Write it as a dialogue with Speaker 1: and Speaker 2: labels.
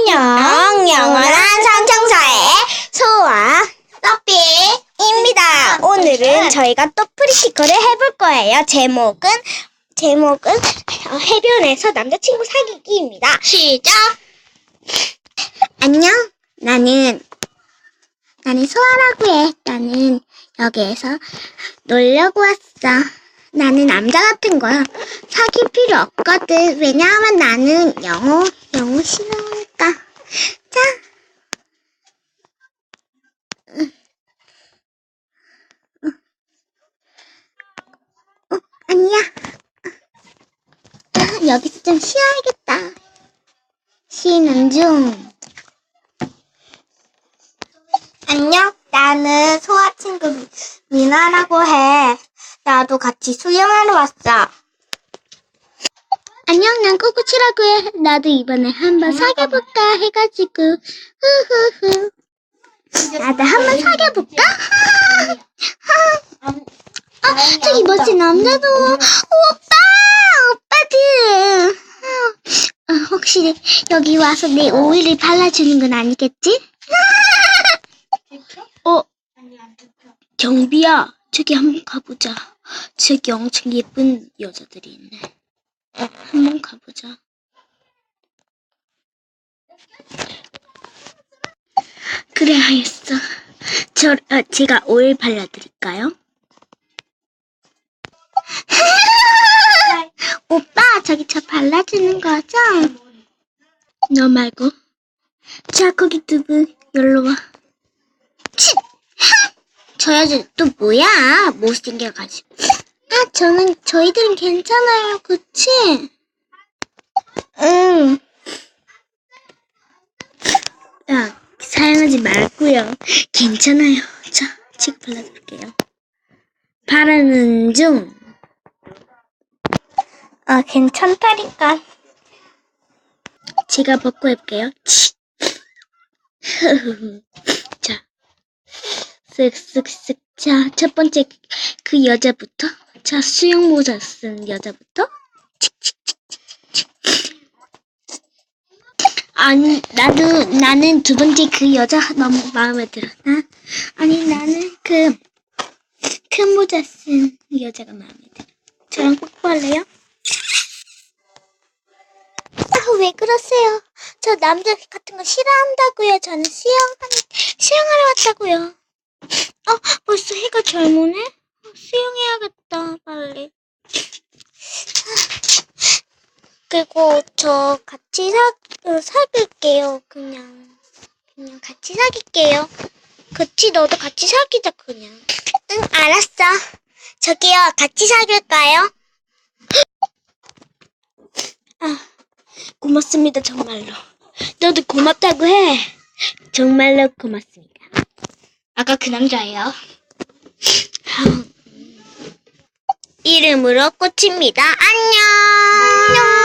Speaker 1: 안녕, 영원한 성청사의 소아 서피입니다. 오늘은 저희가 또 프리티컬을 해볼 거예요. 제목은 해변에서 남자친구 사귀기입니다. 시작! 안녕, 나는 소아라고 해. 나는 여기에서 놀려고 왔어. 나는 남자 같은 거야. 사귈 필요 없거든. 왜냐하면 나는 영어 싫어하니까. 자. 아니야. 여기서 좀 쉬어야겠다. 쉬는 중. 안녕. 나는 소아 친구 미나라고 해. 나도 같이 수영하러 왔어. 안녕, 난 꾸꾸치라고 해. 나도 이번에 한번 사귀어볼까 해가지고. 후후후. 나도 한번 사귀어볼까? 저기 멋진 남자도. 오빠들. 혹시 여기 와서 내 오일을 발라주는 건 아니겠지?
Speaker 2: 경비야, 저기 한번 가보자. 저기 엄청 예쁜 여자들이 있네. 한번 가보자. 그래, 알겠어. 제가 오일 발라드릴까요?
Speaker 1: 오빠, 저기 저 발라주는 거죠?
Speaker 2: 너 말고. 자, 거기 두 분, 여기로 와.
Speaker 1: 저 여자 또 뭐야? 못생겨가지고. 저희들은 괜찮아요, 그치? 응.
Speaker 2: 야, 사용하지 말고요. 괜찮아요. 자, 지금 발라드릴게요. 바르는 중.
Speaker 1: 괜찮다니까.
Speaker 2: 제가 벗고 해볼게요. 자, 쓱쓱쓱. 자, 첫 번째 그 여자부터. 자, 수영 모자 쓴 여자부터. 아니, 나는 두 번째 그 여자 너무 마음에 들어. 나는 그 큰 모자 쓴 여자가 마음에 들어. 저랑 뽀뽀할래요?
Speaker 1: 왜 그러세요? 저 남자 같은 거 싫어한다고요. 저는 수영하러 왔다고요.
Speaker 2: 벌써 해가 젊으네? 수영해야겠다, 빨리.
Speaker 1: 그리고 저 같이 사귈게요. 그냥 같이 사귈게요. 그치, 너도 같이 사귀자, 그냥. 응, 알았어. 저기요, 같이 사귈까요?
Speaker 2: 고맙습니다, 정말로. 너도 고맙다고 해. 정말로 고맙습니다.
Speaker 1: 아까 그 남자예요. 이름으로 꽃입니다. 안녕.